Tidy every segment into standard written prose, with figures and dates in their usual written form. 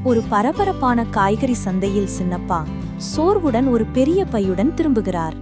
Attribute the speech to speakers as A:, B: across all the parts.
A: ஒரு பரபரப்பான காய்கறி சந்தையில் சின்னப்பா சோர்வுடன் ஒரு பெரிய பையுடன் திரும்புகிறார்.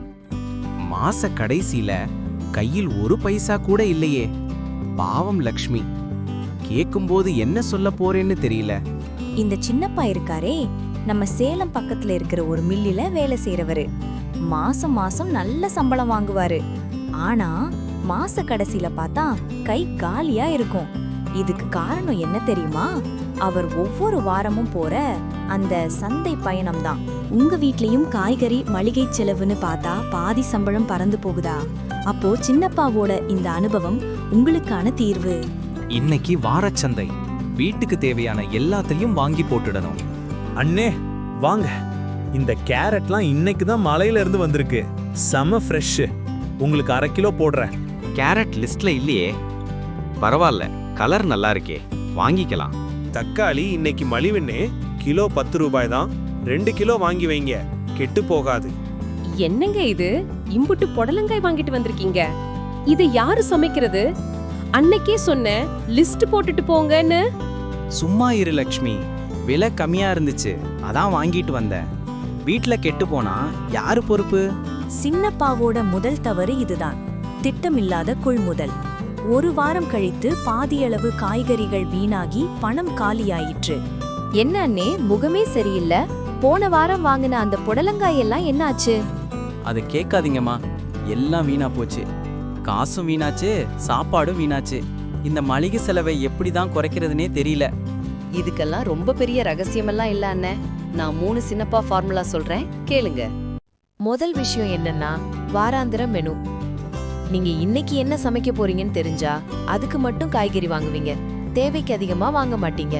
B: மாச கடைசியில கையில் ஒரு பைசா கூட இல்லையே. பாவம் லக்ஷ்மி. கேக்கும்போது என்ன சொல்ல போறேன்னு தெரியல.
A: இந்த சின்னப்பா இருக்காரே, நம்ம சேலம் பக்கத்துல இருக்கிற ஒரு மில்லில வேலை செய்யறவரு. மாசம் மாசம் நல்ல சம்பளம் வாங்குவாரு. ஆனா மாச கடைசியில பார்த்தா கை காலியா இருக்கும். இதுக்கு காரணம் என்ன தெரியுமா? அவர் ஒவ்வொரு வாரமும் போற அந்த சந்தை பயணம் தான். உங்க வீட்லயும் காய்கறி மளிகை செலவுன்னு பார்த்தா பாதி சம்பளம் பறந்து போகுதா? அப்போ சின்னப்பாவோட இந்த அனுபவம் உங்களுக்கான தீர்வு.
C: இன்னைக்கு வாரச்சந்தை. வீட்டுக்கு தேவையான எல்லாத்தையும் வாங்கி போட்டுடணும்.
D: அண்ணே வாங்க, இந்த கேரட்லாம் இன்னைக்கு தான் மலையில இருந்து வந்திருக்கு. செம ஃப்ரெஷ். உங்களுக்கு 1/2 கிலோ போடுறேன்.
B: கேரட் லிஸ்ட்ல இல்லையே. பரவாயில்ல, கலர் நல்லா இருக்கே, வாங்கிக்கலாம்.
D: தக்காளி இன்னைக்கு மலிவுன்னு கிலோ 10 ரூபாய் தான். 2 கிலோ வாங்கி வைங்க, கெட்டு போகாது.
E: என்னங்க இது? இம்புட்டு புடலங்காய் வாங்கிட்டு வந்திருக்கீங்க. இது யாரு சமைக்கிறது? அன்னைக்கே சொன்ன லிஸ்ட் போட்டுட்டு போங்கன்னு.
B: சும்மா இரு லக்ஷ்மி, விலை கம்மியா இருந்துச்சு, அதான் வாங்கிட்டு வந்தேன். வீட்ல கெட்டு போனா யாரு பொறுப்பு?
A: சின்னப்பாவோட முதல் தவறு இதுதான், திட்டமில்லாத கொள்முதல். ஒரு வாரம் கழித்து பாதியளவு காய்கறிகள் வீணாகி பணம் காலியாயிற்று.
F: என்ன அண்ணே, முகமே சரியில்லை. போன வாரம் வாங்கின அந்த புடலங்காய் எல்லாம் என்னாச்சு?
B: அது கேட்காதீங்கம்மா, எல்லாம் வீணா போச்சு. காசும் வீணாச்சு, சாப்பாடும் வீணாச்சு. இந்த மளிகை செலவை எப்படிதான் குறைக்கிறதுனே தெரியல.
F: இதுக்கெல்லாம் ரொம்ப பெரிய ரகசியமெல்லாம் இல்ல அண்ணே. நான் 3 சின்னப்பா ஃபார்முலா சொல்றேன், கேளுங்க. முதல் விஷயம் என்னன்னா, வாராந்திர மெனு. நீங்க இன்னைக்கு என்ன சமைக்க போறீங்கன்னு தெரிஞ்சா அதுக்கு மட்டும் காய்கறி வாங்குவீங்க, தேவைக்கு அதிகமா வாங்க மாட்டீங்க.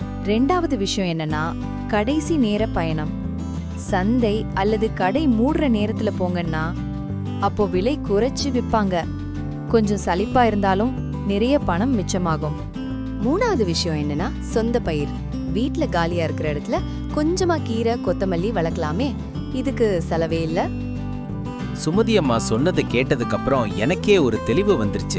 F: 2வது விஷயம் என்னன்னா, கடைசி நேர பயணம். சந்தை அல்லது கடை மூடுற நேரத்துல போங்கன்னா அப்போ விலை குறைச்சு விற்பாங்க. கொஞ்சம் சலிப்பா இருந்தாலும் நிறைய பணம் மிச்சமாகும். 3வது விஷயம் என்னன்னா, சொந்த பயிர். வீட்ல காலியா இருக்கிற இடத்துல கொஞ்சமா கீரை கொத்தமல்லி வளர்க்கலாமே, இதுக்கு செலவே இல்ல.
B: சுமதி அம்மா சொன்னதை கேட்டதுக்கு அப்புறம் எனக்கே ஒரு தெளிவு வந்துருச்சு.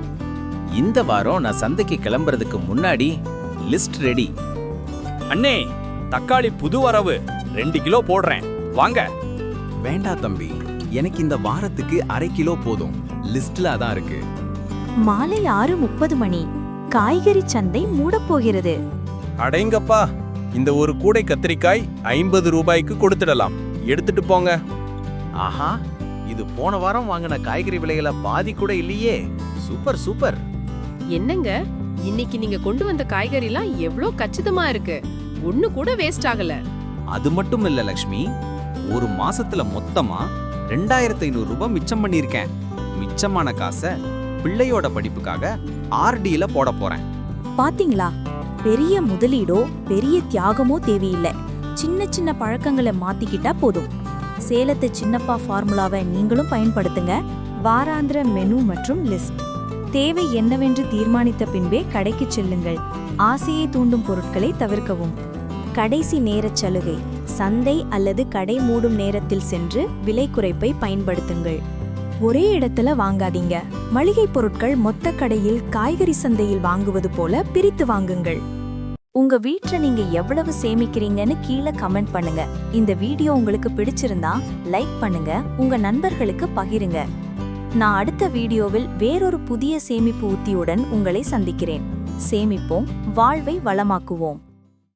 B: இந்த வாரம் நான் சந்தைக்கு கிளம்புறதுக்கு முன்னாடி லிஸ்ட் ரெடி.
D: அண்ணே, தக்காளி புது வரவு, 2 கிலோ போடுறேன், வாங்க.
B: வேண்டா தம்பி, எனக்கு இந்த வாரத்துக்கு 1/2 கிலோ போதும். லிஸ்ட்ல அதான் இருக்கு.
A: மாலை 6:30 மணி. காய்கறி சந்தை மூடப்போகிறது.
D: அடேங்கப்பா, இந்த ஒரு கூடை கத்திரிக்காய் 50 ரூபாய்க்கு கொடுத்துடலாம், எடுத்துட்டு போங்க.
B: ஆஹா, இது போன வாரம் வாங்கின காய்கறி விலைகளை பாதி கூட இல்லையே. Super super.
E: என்னங்க, இன்னைக்கு நீங்க கொண்டு வந்த காய்கறிலாம் எவ்ளோ கச்சிதமா இருக்கு. ஒண்ணு கூட வேஸ்ட் ஆகல.
B: அது மட்டும் இல்ல லக்ஷ்மி, ஒரு மாசத்துல மொத்தமா 2500 ரூபாய் மிச்சம் பண்ணிருக்கேன். மிச்சமான காசை பிள்ளையோட படிப்புக்காக ஆர்டில போட போறேன்.
A: பாத்தீங்களா, பெரிய முதலீடோ பெரிய தியாகமோ தேவையில்லை. சின்ன சின்ன பழக்கங்களை மாத்திக்கிட்டா போதும். சேலத்து சின்னப்பா ஃபார்முலாவை நீங்களும் பயன்படுத்துங்க. வாராந்திர மெனு மற்றும் லிஸ்ட். தேவை என்னவென்று தீர்மானித்த பின்பே கடைக்கு செல்லுங்கள். ஆசையை தூண்டும் பொருட்களை தவிர்க்கவும். கடைசி நேரச் சலுகை. சந்தை அல்லது கடை மூடும் நேரத்தில் சென்று விலை குறைப்பை பயன்படுத்துங்கள். ஒரே இடத்துல வாங்காதீங்க. மளிகை பொருட்கள் மொத்த கடையில் காய்கறி சந்தையில் வாங்குவது போல பிரித்து வாங்குங்கள். உங்க வீட்ல நீங்க எவ்வளவு சேமிக்கிறீங்கன்னு கீழே கமெண்ட் பண்ணுங்க. இந்த வீடியோ உங்களுக்கு பிடிச்சிருந்தா லைக் பண்ணுங்க, உங்க நண்பர்களுக்கு பகிருங்க. நான் அடுத்த வீடியோவில் வேறொரு புதிய சேமிப்பு உத்தியுடன் உங்களை சந்திக்கிறேன். சேமிப்போம், வாழ்வை வளமாக்குவோம்.